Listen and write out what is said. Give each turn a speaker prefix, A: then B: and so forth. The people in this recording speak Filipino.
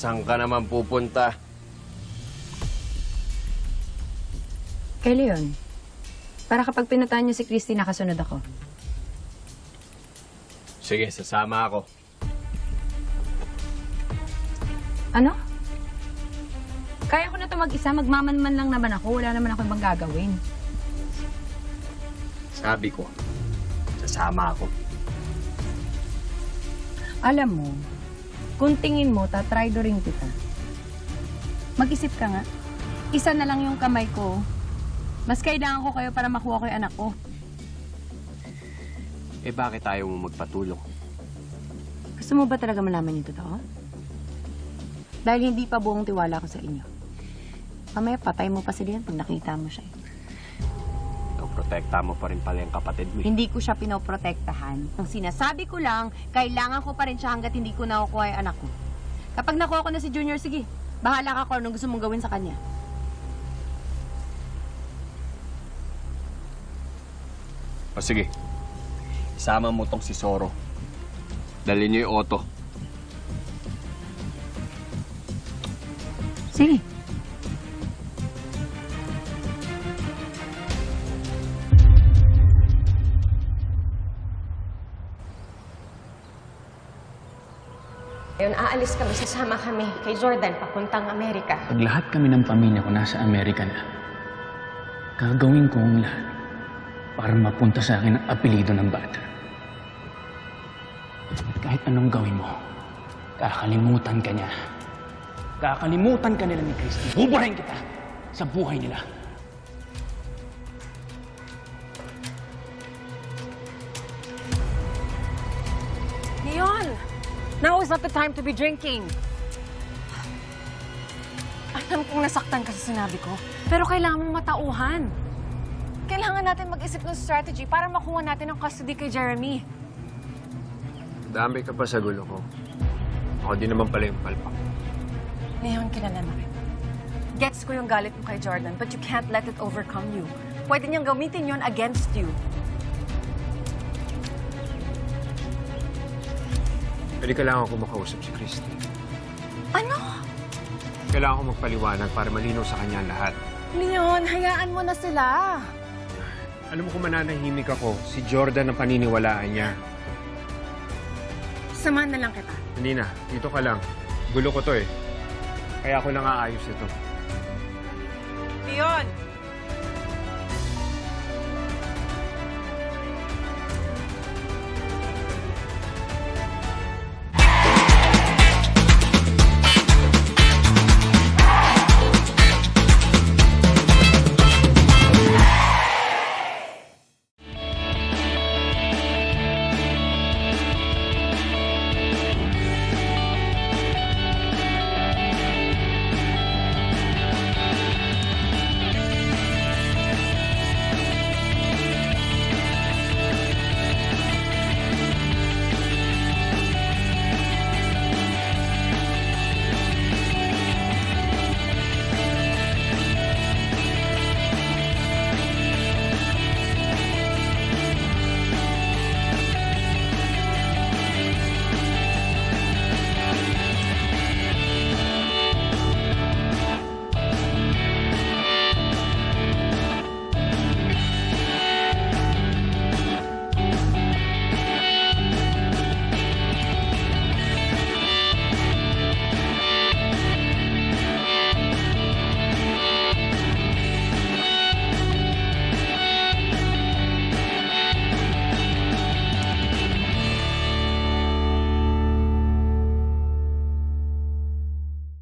A: Saan ka naman pupunta?
B: Kay Leon, para kapag pinutaan niyo si Christy, nakasunod ako.
A: Sige, sasama ako.
B: Ano? Kaya ko na ito mag-isa, magmamanman lang naman ako. Wala naman ako ibang gagawin.
A: Sabi ko, sasama ako.
B: Alam mo, kung tingin mo, tatry do rin kita. Mag-isip ka nga. Isa na lang yung kamay ko. Mas kailangan ko kayo para makuha ko yung anak ko.
A: Eh bakit ayaw mo magpatulong?
B: Gusto mo ba talaga malaman yung totoo? Dahil hindi pa buong tiwala ko sa inyo. Mamaya patay mo pa si Leon pag nakita mo siya.
A: Protekta mo pa rin pala yung kapatid mo.
B: Hindi ko siya pinoprotektahan. Ang sinasabi ko lang, kailangan ko pa rin siya hanggat hindi ko nakukuha yung anak ko. Kapag nakuha ko na si Junior, sige, bahala ka kung anong gusto mong gawin sa kanya.
A: O sige, isama mo tong si Zoro. Dalhin niyo yung Otto.
B: Sige.
C: Ngayon, aalis kami, sasama kami kay Jordan papuntang Amerika.
D: Pag lahat kami ng pamilya ko nasa Amerika na, gagawin ko ang lahat para mapunta sa akin ang apelido ng bata. At kahit anong gawin mo, kakalimutan ka niya. Kakalimutan ka nila ni Christy. Buburahin kita sa buhay nila.
E: Leon! Now is not the time to be drinking. Alam kong nasaktan ka sa sinabi ko, pero kailangan mong matauhan. Kailangan natin mag-isip ng strategy para makuha natin ang custody kay Jeremy.
A: Dami ka pa sa gulo ko. Ako din naman pala yung palpak.
E: Leon, kilala na kita. Gets ko yung galit mo kay Jordan, but you can't let it overcome you. Pwede niyang gamitin yon against you.
A: Pwede kailangan ko makausap si Christy.
E: Ano?
A: Kailangan ko magpaliwanag para malinaw sa kanya ang lahat.
E: Leon, hayaan mo na sila.
A: Alam mo kung mananahimik ako, si Jordan ang paniniwalaan niya.
E: Samahan na lang kita.
A: Hindi na, dito ka lang. Gulo ko to eh. Kaya ako nang aayos ito.
E: Leon!